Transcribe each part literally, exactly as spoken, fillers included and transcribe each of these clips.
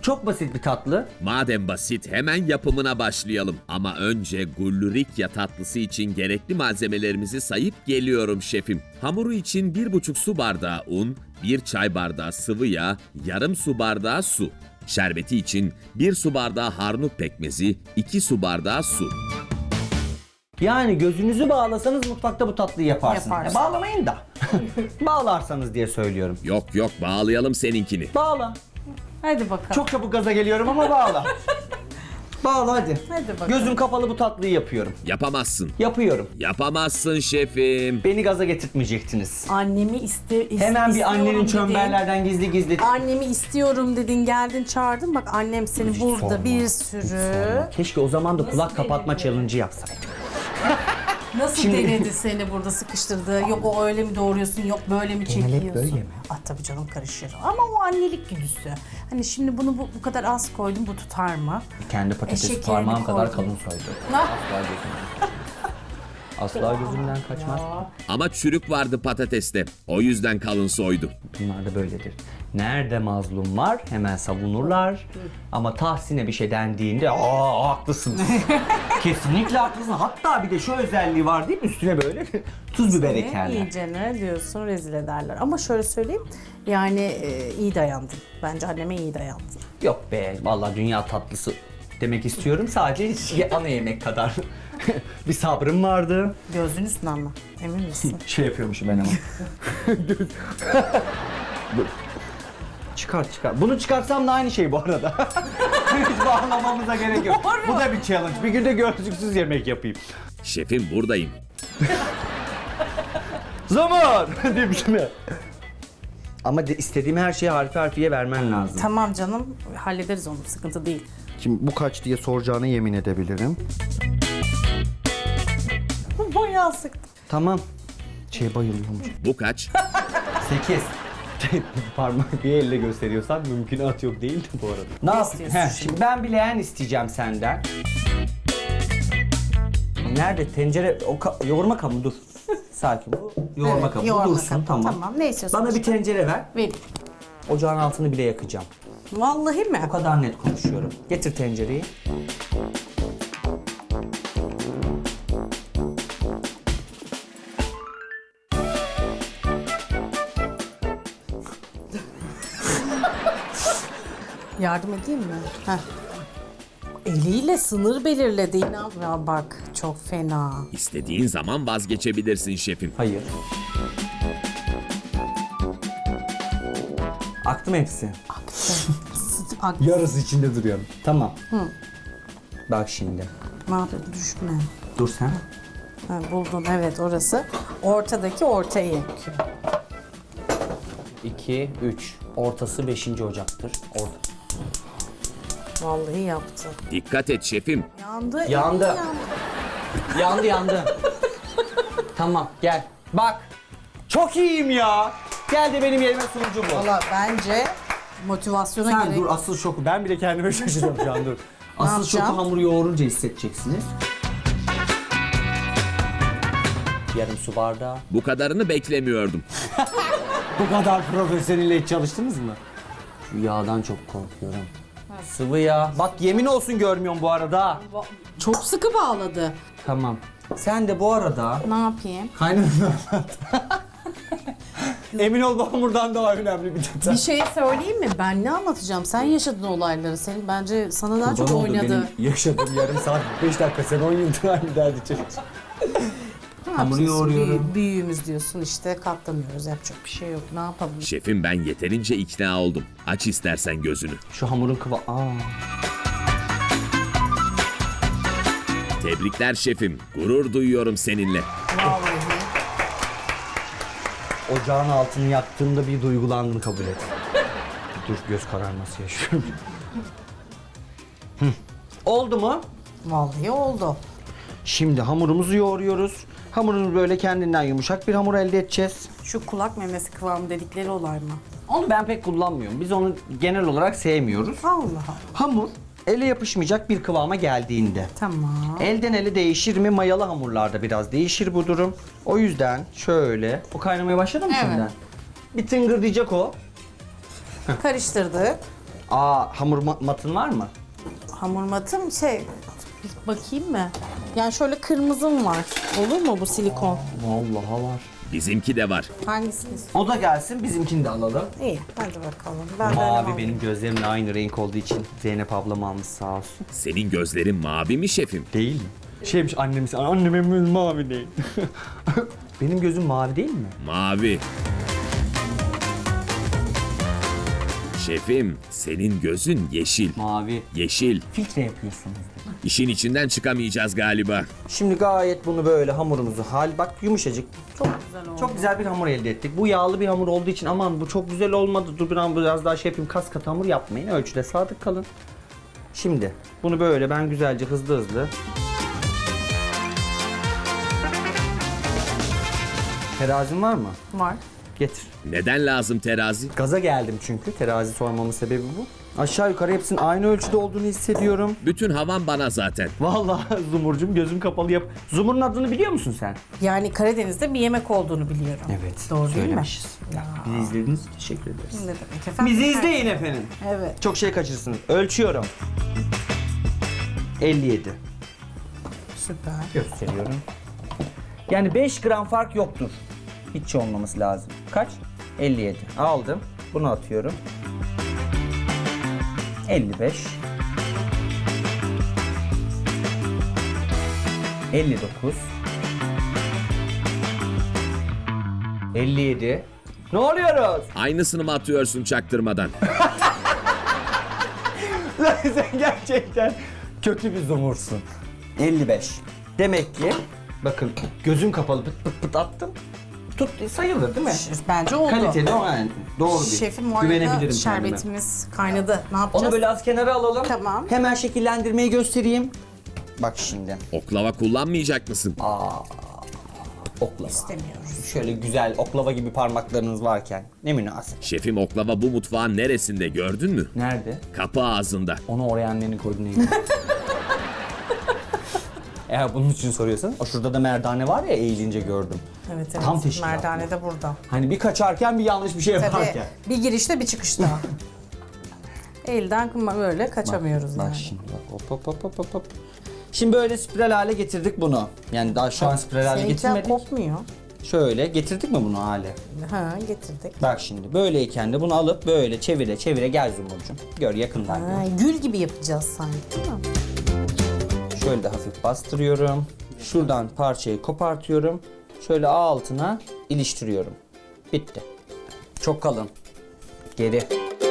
Çok basit bir tatlı. Madem basit hemen yapımına başlayalım. Ama önce gullurikya tatlısı için gerekli malzemelerimizi sayıp geliyorum şefim. Hamuru için bir buçuk su bardağı un, bir çay bardağı sıvı yağ, yarım su bardağı su. Şerbeti için bir su bardağı harnut pekmezi, iki su bardağı su. Yani gözünüzü bağlasanız mutfakta bu tatlıyı yaparsınız. Yaparsın. Ya bağlamayın da. Bağlarsanız diye söylüyorum. Yok yok bağlayalım seninkini. Bağla. Hadi bakalım. Çok çabuk gaza geliyorum ama bağla. Bağla hadi. Hadi bakalım. Gözüm kapalı bu tatlıyı yapıyorum. Yapamazsın. Yapıyorum. Yapamazsın şefim. Beni gaza getirtmeyecektiniz. Annemi iste, is- Hemen bir istiyorum annenin dedin. çömberlerden gizli gizli. Annemi istiyorum dedin, geldin çağırdın. Bak annem seni Hiç burada sorma, bir hiç sürü... sorma. Keşke o zaman da kulak kapatma challenge'ı yapsaydık. Nasıl Şimdi- denedi seni burada sıkıştırdı? Yok o öyle mi doğruyorsun, yok böyle mi Genel hep çekiyorsun? böyle mi? Ah tabii canım karışır. Ama o annelik güdüsü. Hani şimdi bunu bu, bu kadar az koydum, bu tutar mı? Kendi E, patatesi şekerini parmağım kadar koydum. kalın soydu. Ne? Asla gözümden. Asla gözümden kaçmaz. Ama çürük vardı patateste. O yüzden kalın soydu. Bunlar da böyledir. Nerede mazlum var hemen savunurlar. Ama Tahsin'e bir şey dendiğinde aa haklısınız. Kesinlikle haklısın. Hatta bir de şu özelliği var değil mi? Üstüne böyle tuz biber ekerler. İyice ne diyorsun, rezil ederler. Ama şöyle söyleyeyim, yani e, iyi dayandın. Bence anneme iyi dayandın. Yok be vallahi dünya tatlısı demek istiyorum. Sadece ana yemek kadar. Bir sabrım vardı. Gözün üstüne ama, emin misin? Şey yapıyormuşum ben ama. Çıkar çıkar. Bunu çıkarsam da aynı şey bu arada. Hiç bağlamamıza gerek yok. Bu da bir challenge. Bir günde gözlüksüz yemek yapayım. Şefim buradayım. Zaman demişim ya. Ama de istediğim her şeyi harfi harfiye vermen lazım. Tamam canım, hallederiz onu, sıkıntı değil. Şimdi bu kaç diye soracağına yemin edebilirim. Bayağı sıktım. Tamam. Şeye bayılıyorum. Bu kaç? Sekiz. Parmak bir elle gösteriyorsan mümkünat yok değil de bu arada. Ne, yap- istiyorsun Heh, şimdi? şimdi ben bileğen isteyeceğim senden. Nerede tencere o ka- yoğurma kabı dur. Sakin bu yoğurma Evet, kabı yoğurma dursun kabı. tamam. Tamam, ne istiyorsun Bana bir başka? tencere ver. Ver. Ocağın altını bile yakacağım. Vallahi mi? O kadar net konuşuyorum. Getir tencereyi. Yardım edeyim mi? Heh. Eliyle sınır belirledi. İnan ya bak, çok fena. İstediğin zaman vazgeçebilirsin şefim. Hayır. Aktı mı hepsi? Ak- Yarısı içinde duruyorum. Tamam. Bak şimdi. ne yapıyorsun? Düşme. Dur sen. Ha, buldun, evet orası. Ortadaki ortaya yakıyor. iki, üç. Ortası beşinci Ocak'tır. Orta. Vallahi yaptı. Dikkat et şefim. Yandı. eli Yandı. Yandı yandı. Tamam gel. Bak. Çok iyiyim ya. Gel de benim yerime sunucu bu. Valla bence motivasyona Sen gerek. dur asıl şoku. Ben bile kendime şaşırıyorum şu an dur. Asıl şoku yapacağım? hamuru yoğurunca hissedeceksiniz. Yarım su bardağı. Bu kadarını beklemiyordum. Bu kadar profesyonelle hiç çalıştınız mı? Şu yağdan çok korkuyorum. Sıvı yağ. Bak yemin olsun görmüyorum bu arada. Çok sıkı bağladı. Tamam. Sen de bu arada Ne yapayım? kaynananı anlat. Emin ol bu hamurdan daha önemli bir detay. Bir şey söyleyeyim mi? Ben ne anlatacağım? Sen yaşadın olayları. Senin bence sana daha çok Kurban oldu, oynadı. benim yaşadığım yarım saat beş dakika sen on yıldır aynı derdi çocuk. Ne hamuru yapacağız? yoğuruyorum. Büyü- büyüğümüz diyorsun işte, katlanıyoruz. Yapacak bir şey yok. Ne yapalım? Şefim ben yeterince ikna oldum. Aç istersen gözünü. Şu hamurun kıva... Aa. Tebrikler şefim. Gurur duyuyorum seninle. Vallahi. Ocağın altını yaktığımda bir duygulandım kabul et. Dur göz kararması yaşıyorum. Hı. Oldu mu? Vallahi oldu. Şimdi hamurumuzu yoğuruyoruz. Hamurumuz böyle kendinden yumuşak bir hamur elde edeceğiz. Şu kulak memesi kıvamı dedikleri olay mı? Onu ben pek kullanmıyorum. Biz onu genel olarak sevmiyoruz. Allah Allah. Hamur ele yapışmayacak bir kıvama geldiğinde. Tamam. Elden ele değişir mi? Mayalı hamurlarda biraz değişir bu durum. O yüzden şöyle... O kaynamaya başladı mı Evet. şimdiden? Bir tıngır diyecek o. Karıştırdık. Aa, hamur ma- matın var mı? Hamur matım şey, bir bakayım mı? Yani şöyle kırmızım var. Olur mu bu silikon? Vallahi var. Bizimki de var. Hangisini? O da gelsin, bizimkini de alalım. İyi, hadi bakalım. Ben de Mavi öyle benim alayım. gözlerimle aynı renk olduğu için Zeynep ablam almış sağ olsun. Senin gözlerin mavi mi şefim? Değil mi? Şeymiş annemiz, annemin gözü mavi değil. Benim gözüm mavi değil mi? Mavi. Şefim, senin gözün yeşil. Mavi. Yeşil. Filtre yapıyorsunuz. İşin içinden çıkamayacağız galiba. Şimdi gayet bunu böyle hamurumuzu hal bak yumuşacık. Çok güzel oldu. Çok güzel bir hamur elde ettik. Bu yağlı bir hamur olduğu için aman bu çok güzel olmadı. Dur biraz, biraz daha şey yapayım. Kas katı hamur yapmayın. Ölçüde sadık kalın. Şimdi bunu böyle ben güzelce hızlı hızlı. Terazin var mı? Var. Getir. Neden lazım terazi? Gaza geldim çünkü. Terazi sormamın sebebi bu. Aşağı yukarı hepsinin aynı ölçüde olduğunu hissediyorum. Bütün havan bana zaten. Vallahi Zumurcuğum gözüm kapalı yap. Zumur'un adını biliyor musun sen? Yani Karadeniz'de bir yemek olduğunu biliyorum. Evet. Doğru değil mi? söylemişiz. Bizi izlediğiniz için teşekkür ederiz. Ne demek efendim? Bizi izleyin efendim. Evet. Çok şey kaçırsınız. Ölçüyorum. elli yedi. Süper. Gösteriyorum. Yani beş gram fark yoktur. Hiç olmaması lazım. Kaç? elli yedi. Aldım. Bunu atıyorum. elli beş. elli dokuz. elli yedi. Ne oluyoruz? Aynısını mı atıyorsun çaktırmadan? Sen gerçekten kötü bir zumursun. elli beş. Demek ki bakın gözüm kapalı pıt pıt pıt attım. Tut sayılır değil mi? Bence oldu. Kaliteli o yani. Doğru bir. Şefim bu Güvenebilirim arada kendime. şerbetimiz kaynadı. Ne yapacağız? Onu böyle az kenara alalım. Tamam. Hemen şekillendirmeyi göstereyim. Bak şimdi. Oklava kullanmayacak mısın? Oklava. İstemiyoruz. Şöyle güzel oklava gibi parmaklarınız varken. Ne münasip. Şefim oklava bu mutfağın neresinde gördün mü? Nerede? Kapı ağzında. Onu oraya annenin koydu neydi? Eğer bunun için soruyorsan, o şurada da merdane var ya eğilince gördüm. Evet evet. Tam teşkilat. Merdane de burada. Hani bir kaçarken bir yanlış bir şey Tabii yaparken. bir girişte bir çıkışta. Elden böyle kaçamıyoruz Bak yani. şimdi bak hop hop hop hop hop hop. Şimdi böyle spiral hale getirdik bunu. Yani daha şu an spiral hale Seninkiler getirmedik. kopmuyor. Şöyle getirdik mi bunu hale? Ha getirdik. Bak şimdi böyleyken de bunu alıp böyle çevire çevire gel Zumurcuğum. Gör yakından Ha, gör. gül gibi yapacağız sanki değil mi? Şöyle de hafif bastırıyorum. Şuradan parçayı kopartıyorum. Şöyle altına iliştiriyorum. Bitti. Çok kalın. Geri.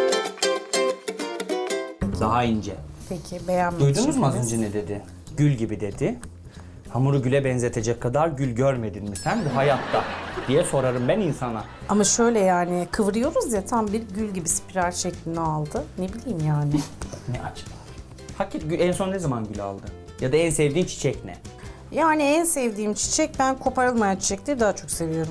Daha ince. Peki beğenmedim. Duydunuz mu az önce ne dedi? Gül gibi dedi. Hamuru güle benzetecek kadar gül görmedin mi sen bu hayatta? Diye sorarım ben insana. Ama şöyle yani kıvırıyoruz ya tam bir gül gibi spiral şeklini aldı. Ne bileyim yani. Ne acaba? Hakikaten gül- en son ne zaman gül aldı? Ya da en sevdiğin çiçek ne? Yani en sevdiğim çiçek ben koparılmayan çiçekleri daha çok seviyorum.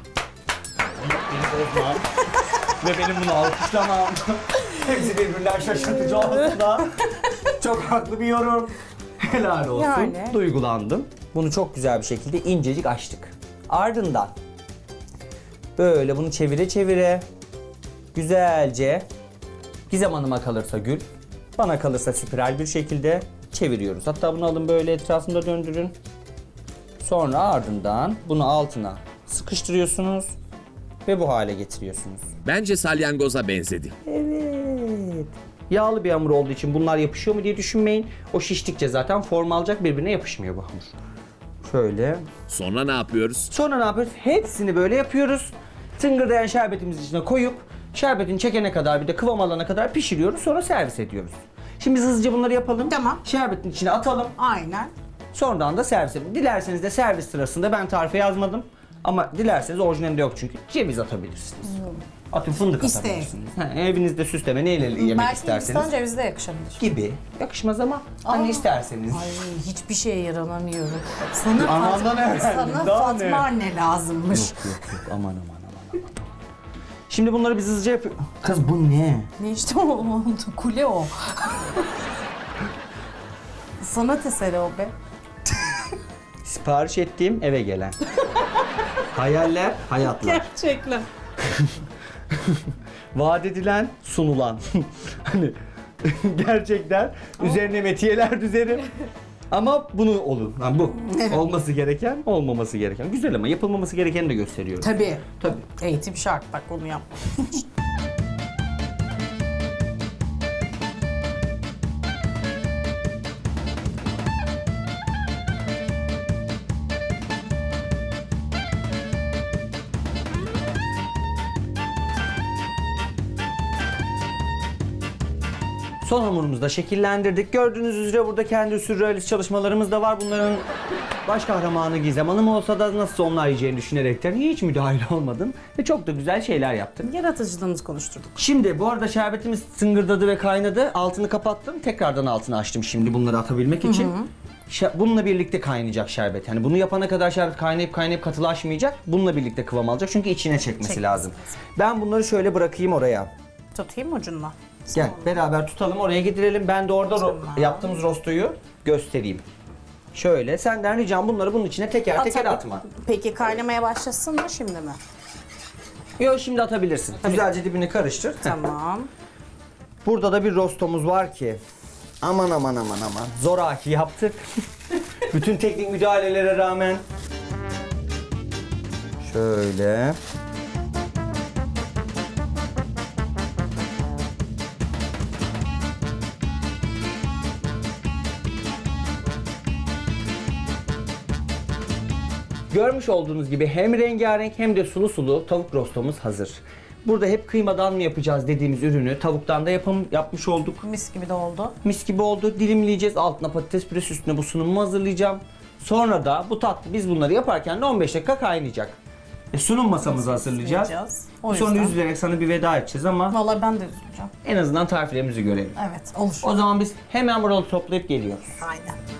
Ve benim bunu alkışlamam. Hepsi birbirler şaşırtıcı olsa da çok haklı bir yorum. Helal olsun. Yani. Duygulandım. Bunu çok güzel bir şekilde incecik açtık. Ardından böyle bunu çevire çevire güzelce Gizem Hanım'a kalırsa gül, bana kalırsa spiral bir şekilde çeviriyoruz. Hatta bunu alın böyle etrafında döndürün. Sonra ardından bunu altına sıkıştırıyorsunuz ve bu hale getiriyorsunuz. Bence salyangoza benzedi. Evet. Yağlı bir hamur olduğu için bunlar yapışıyor mu diye düşünmeyin. O şiştikçe zaten form alacak, birbirine yapışmıyor bu hamur. Şöyle. Sonra ne yapıyoruz? Sonra ne yapıyoruz? Hepsini böyle yapıyoruz. Tıngırdayan şerbetimizin içine koyup şerbetin çekene kadar bir de kıvam alana kadar pişiriyoruz. Sonra servis ediyoruz. Şimdi biz hızlıca bunları yapalım. Tamam. Şerbetin içine atalım. Aynen. Sonradan da servis edelim. Dilerseniz de servis sırasında ben tarife yazmadım. Ama dilerseniz orijinalinde yok çünkü. Ceviz atabilirsiniz. Atın fındık İsteğe. atabilirsiniz. Ha, evinizde süsleme neyle yemek Belki isterseniz. Hindistan cevizi de yakışabilir. Gibi. Yakışmaz ama hani isterseniz. Ay hiçbir şeye yaranamıyorum. Sana, Anamdan Fatma, öğrendim, sana daha Fatma ne? anne lazımmış. Yok yok yok aman aman aman aman. Şimdi bunları biz hızlıca yapıyoruz. Kız bu ne? Ne işte o oldu? Kule o. Sanat eseri o be. Sipariş ettiğim eve gelen. Hayaller, hayatlar. Gerçekten. vaat edilen, sunulan. Hani gerçekten üzerine metiyeler düzerim. Ama bunu olun. Yani bu. Olması gereken, olmaması gereken. Güzel ama yapılmaması gerekeni de gösteriyorum. Tabii. Tabii. Eğitim şart, bak onu yap. Son hamurumuzu da şekillendirdik. Gördüğünüz üzere burada kendi sürrealist çalışmalarımız da var. Bunların baş kahramanı Gizem Hanım olsa da nasıl onlar yiyeceğini düşünerekten hiç müdahil olmadım. Ve çok da güzel şeyler yaptım. Yaratıcılığımızı konuşturduk. Şimdi bu arada şerbetimiz tıngırdadı ve kaynadı. Altını kapattım. Tekrardan altını açtım şimdi bunları atabilmek için. Şe- Bununla birlikte kaynayacak şerbet. Yani bunu yapana kadar şerbet kaynayıp kaynayıp katılaşmayacak. Bununla birlikte kıvam alacak. Çünkü içine çekmesi Çekmesi lazım. lazım. Ben bunları şöyle bırakayım oraya. Tutayım ucundan. Gel beraber tutalım, oraya gidirelim. Ben de orada ro- Tamam. yaptığımız rostoyu göstereyim. Şöyle senden ricam bunları bunun içine teker teker Atalım. atma. Peki kaynamaya başlasın mı şimdi mi? Yok, şimdi atabilirsin. Güzelce dibini karıştır. Heh. Tamam. Burada da bir rostomuz var ki. Aman aman aman aman. Zoraki yaptık. Bütün teknik müdahalelere rağmen. Şöyle. Görmüş olduğunuz gibi hem rengarenk hem de sulu sulu tavuk rostomuz hazır. Burada hep kıymadan mı yapacağız dediğimiz ürünü tavuktan da yapım, yapmış olduk. Mis gibi de oldu. Mis gibi oldu. Dilimleyeceğiz. Altına patates püresi, üstüne bu sunumu hazırlayacağım. Sonra da bu tatlı biz bunları yaparken de on beş dakika kaynayacak. E, sunum masamızı hazırlayacağız. Hazırlayacağız. O Sonra yüzden. üzülerek sana bir veda edeceğiz ama Vallahi ben de üzüleceğim. en azından tariflerimizi görelim. Evet, olur. O zaman biz hemen buraları toplayıp geliyoruz. Aynen.